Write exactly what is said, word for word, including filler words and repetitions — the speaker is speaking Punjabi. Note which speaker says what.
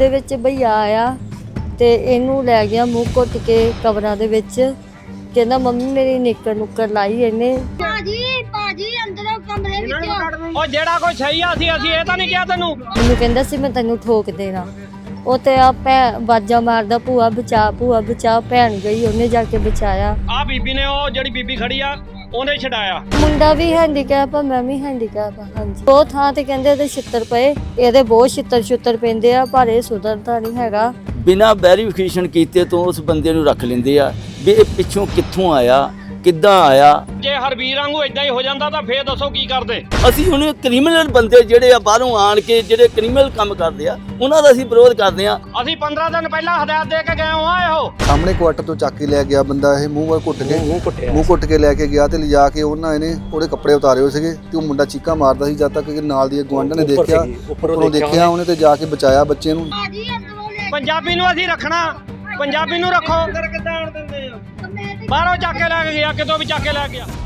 Speaker 1: ਦੇ ਵਿੱਚ ਭਈਆ ਆਇਆ ਤੇ ਇਹਨੂੰ ਲੈ ਗਿਆ ਮੂੰਹ ਘੁੱਟ ਕੇ ਕਬਰਾਂ ਦੇ ਵਿੱਚ। ਕਹਿੰਦਾ ਮੰਮੀ ਮੇਰੀ ਨਿੱਕਰ ਨੁੱਕਰ ਲਾਈ ਇਹਨੇ।
Speaker 2: ਭਾਜੀ ਭਾਜੀ ਅੰਦਰੋਂ ਕਮਰੇ ਵਿੱਚ
Speaker 3: ਉਹ ਜਿਹੜਾ ਕੋਈ ਸਹੀ ਆ ਸੀ ਅਸੀਂ ਇਹ ਤਾਂ ਨਹੀਂ ਕਿਹਾ ਤੈਨੂੰ।
Speaker 1: ਮੈਨੂੰ ਕਹਿੰਦਾ ਸੀ ਮੈਂ ਤੈਨੂੰ ਠੋਕ ਦੇਣਾ। ਉਹ ਤੇ ਆ ਭੈਣ ਬਾਜਾ ਮਾਰਦਾ ਭੂਆ ਬਚਾ ਭੂਆ ਬਚਾ। ਭੈਣ ਗਈ ਉਹਨੇ ਜਾ ਕੇ ਬਚਾਇਆ।
Speaker 3: ਆ ਬੀਬੀ ਨੇ ਉਹ ਜਿਹੜੀ ਬੀਬੀ ਖੜੀ ਆ ਉਹਨੇ ਛਡਾਇਆ।
Speaker 1: ਮੁੰਡਾ ਵੀ ਹੈਂਡੀਕੈਪ ਆ ਮੈਂ ਵੀ ਹੈਂਡੀਕੈਪ ਆ। ਹਾਂਜੀ ਬਹੁਤ ਥਾਂ ਤੇ ਕਹਿੰਦੇ ਇਹਦੇ ਛਿੱਤਰ ਪਏ, ਇਹਦੇ ਬਹੁਤ ਛਿੱਤਰ ਛੁੱਤਰ ਪੈਂਦੇ ਆ ਪਰ ਇਹ ਸੁਧਰਦਾ ਨਹੀਂ ਹੈਗਾ।
Speaker 4: ਬਿਨਾਂ ਵੈਰੀਫਿਕੇਸ਼ਨ ਕੀਤੇ ਤੋਂ ਉਸ ਬੰਦੇ ਨੂੰ ਰੱਖ ਲੈਂਦੇ ਆ ਵੀ ਇਹ ਪਿੱਛੋਂ ਕਿੱਥੋਂ ਆਇਆ ਕਿੱਦਾਂ ਆਇਆ।
Speaker 3: ਜੇ ਹਰਬੀਰ ਵਾਂਗੂ ਇਦਾਂ ਹੀ ਹੋ ਜਾਂਦਾ ਤਾਂ ਫੇਰ ਦੱਸੋ ਕੀ ਕਰਦੇ।
Speaker 4: ਅਸੀਂ ਹੁਣ ਕ੍ਰਿਮੀਨਲ ਬੰਦੇ ਜਿਹੜੇ ਆ ਬਾਹਰੋਂ ਆਣ ਕੇ ਜਿਹੜੇ ਕ੍ਰਿਮੀਨਲ ਕੰਮ ਕਰਦੇ ਆ ਉਹਨਾਂ ਦਾ ਅਸੀਂ ਵਿਰੋਧ ਕਰਦੇ ਆ।
Speaker 3: ਅਸੀਂ ਪੰਦਰਾਂ ਦਿਨ ਪਹਿਲਾਂ ਹਦਾਇਤ ਦੇ ਕੇ ਗਏ ਹਾਂ। ਇਹੋ
Speaker 5: ਸਾਹਮਣੇ ਕੁਆਟਰ ਤੋਂ ਚੱਕ ਕੇ ਲੈ ਗਿਆ ਬੰਦਾ, ਇਹ ਮੂੰਹ ਵੱਲ ਘੁੱਟ ਕੇ ਮੂੰਹ ਘੁੱਟ ਕੇ ਲੈ ਕੇ ਗਿਆ ਤੇ ਲਿਜਾ ਕੇ ਉਹਨਾਂ ਇਹਨੇ ਉਹਦੇ ਕੱਪੜੇ ਉਤਾਰੇ ਹੋਏ ਸੀਗੇ ਤੇ ਉਹ ਮੁੰਡਾ ਚੀਕਾਂ ਮਾਰਦਾ ਸੀ। ਜਦ ਤੱਕ ਕਿ ਨਾਲ ਦੀ ਗੁਆਂਢਣ ਨੇ ਦੇਖਿਆ, ਉੱਪਰੋਂ ਦੇਖਿਆ ਉਹਨੇ ਤੇ ਜਾ ਕੇ ਬਚਾਇਆ ਬੱਚੇ ਨੂੰ।
Speaker 2: ਭਾਜੀ ਅੰਦਰੋਂ ਲੈ
Speaker 3: ਪੰਜਾਬੀ ਨੂੰ ਅਸੀਂ ਰੱਖਣਾ, ਪੰਜਾਬੀ ਨੂੰ ਰੱਖੋ।
Speaker 2: ਕੇ
Speaker 3: ਬਾਹਰੋਂ ਚੱਕ ਕੇ ਲੈ ਕੇ ਗਿਆ, ਕਿਤੋਂ ਵੀ ਚੱਕ ਕੇ ਲੈ ਗਿਆ।